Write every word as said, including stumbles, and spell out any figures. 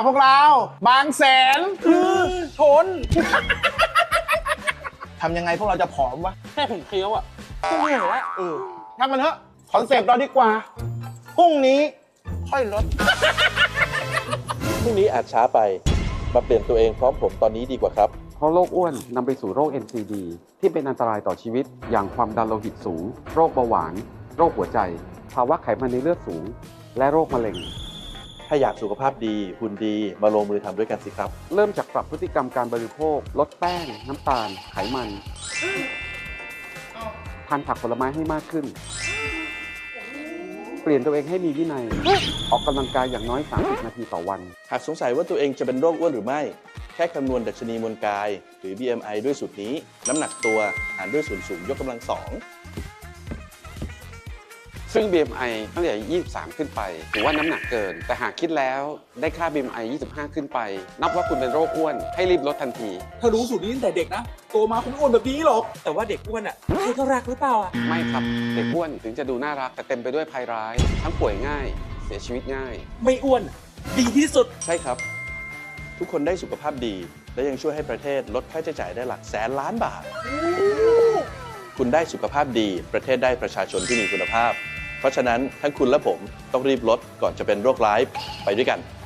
พวกเราบางแสนคือชน ทำยังไงพวกเราจะผอมวะแค่ผมเคี้ยวอ่ะก็เหนื่อยแล้วเออช่างมันเถอะคอนเซปต์เราดีกว่าพรุ่งนี้ค่อยลดพรุ่งนี้อาจช้าไปมาเปลี่ยนตัวเองพร้อมผมตอนนี้ดีกว่าครับเพราะโรคอ้วนนำไปสู่โรค เอ็น ซี ดี ที่เป็นอันตรายต่อชีวิตอย่างความดันโลหิตสูง โรคเบาหวาน โรคหัวใจ ภาวะไขมันในเลือดสูง และโรคมะเร็งถ้าอยากสุขภาพดีหุ่นดีมาลงมือทำด้วยกันสิครับเริ่มจากปรับพฤติกรรมการบริโภค ลดแป้ง น้ำตาล ไขมัน ทานผักผลไม้ให้มากขึ้น เปลี่ยนตัวเองให้มีวินัย ออกกำลังกายอย่างน้อย สามสิบ นาทีต่อวันหากสงสัยว่าตัวเองจะเป็นโรคอ้วนหรือไม่ แค่คำนวณดัชนีมวลกาย หรือ บี เอ็ม ไอ ด้วยสูตรนี้ น้ำหนักตัวหารด้วยส่วนสูงยกกำลังสองซึ่ง บี เอ็ม ไอ ตั้งแต่ ยี่สิบสาม ขึ้นไปถือว่าน้ำหนักเกิน แต่หากคิดแล้วได้ค่า บี เอ็ม ไอ ยี่สิบห้า ขึ้นไป นับว่าคุณเป็นโรคอ้วน ให้รีบลดทันทีถ้ารู้สูตรนี้ตั้งแต่เด็กนะโตมาคงอ้วนแบบนี้หรอก แต่ว่าเด็กอ้วนอ่ะใครก็รักหรือเปล่าอ่ะไม่ครับ เด็กอ้วนถึงจะดูน่ารัก แต่เต็มไปด้วยภัยร้าย ทั้งป่วยง่าย เสียชีวิตง่ายไม่อ้วนดีที่สุดใช่ครับ ทุกคนได้สุขภาพดี และยังช่วยให้ประเทศลดค่าใช้จ่ายได้หลักแสนล้านบาท คุณได้สุขภาพดี ประเทศได้ประชาชนที่มีคุณภาพ เพราะฉะนั้นทั้งคุณและผมต้องรีบลดก่อนจะเป็นโรคร้ายไปด้วยกัน